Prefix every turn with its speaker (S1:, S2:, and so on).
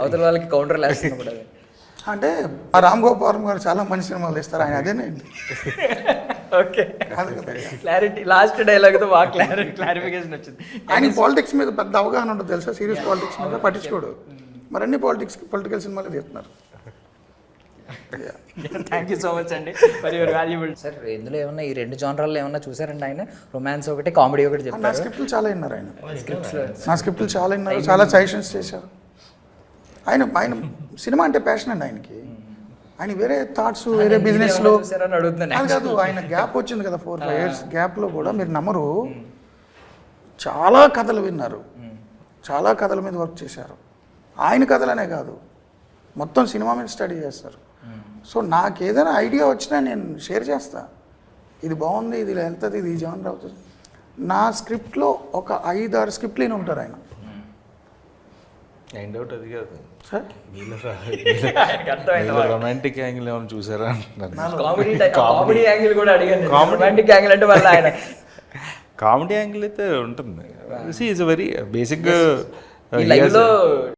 S1: అవతల వాళ్ళకి కౌంటర్ వేస్తున్నప్పుడు అది.
S2: అంటే ఆ రామ్ గోపాల్ గారు చాలా మంచి సినిమాలు ఇస్తారు, ఆయన అదేనండి.
S1: ఓకే,
S2: కాదు కదా.
S1: క్లారిటీ లాస్ట్ డైలాగ్తో బాగా క్లారిఫికేషన్ వచ్చింది.
S2: ఆయన పాలిటిక్స్ మీద పెద్ద అవగాహన ఉంటుంది తెలుసా, సీరియస్ పాలిటిక్స్ మీద పట్టించుకోడు. మరి అన్ని పొలిటికల్ సినిమాలు తీస్తున్నారు.
S1: థ్యాంక్ యూ సో మచ్ అండి ఫర్ యువర్ వాల్యుబుల్. సార్ ఇందులో ఏమన్నా ఈ రెండు జానరాల్లో ఏమన్నా చూసారండి ఆయన? రొమాన్స్ ఒకటి, కామెడీ ఒకటి
S2: నా
S1: చెప్పారు.
S2: స్క్రిప్ట్లు చాలా విన్నారు ఆయన, నా స్క్రిప్ట్లు చాలా విన్నారు, చాలా సజెషన్స్ చేశారు. ఆయన సినిమా అంటే ప్యాషన్ అండి ఆయనకి. ఆయన వేరే థాట్స్, వేరే బిజినెస్లో
S1: చూసారని అడుగుతున్నాను.
S2: అది కాదు, ఆయన గ్యాప్ వచ్చింది కదా 4-5 years గ్యాప్లో కూడా మీరు నమ్మరు, చాలా కథలు విన్నారు, చాలా కథల మీద వర్క్ చేశారు. ఆయన కథలనే కాదు, మొత్తం సినిమా మీద స్టడీ చేస్తారు. సో నాకు ఏదైనా ఐడియా వచ్చినా నేను షేర్ చేస్తా, ఇది బాగుంది, ఇది వెళ్తుంది, ఇది జానర్ అవుతుంది. నా స్క్రిప్ట్లో ఒక 5-6 స్క్రిప్ట్లు అయినా ఉంటారు ఆయన.
S3: అండ్ అవుట్ అది కాదు
S2: సార్
S3: మీలో రొమాంటిక్ యాంగిల్ ఏమైనా చూసారా అంటున్నాను.
S1: కామెడీ యాంగిల్ కూడా అడిగాను. రొమాంటిక్ యాంగిల్ అంటే వాళ్ళ ఆయన
S3: కామెడీ యాంగిల్ అయితే ఉంటుంది. ఈజ్ వెరీ బేసిక్
S1: ఈ లైవ్ లో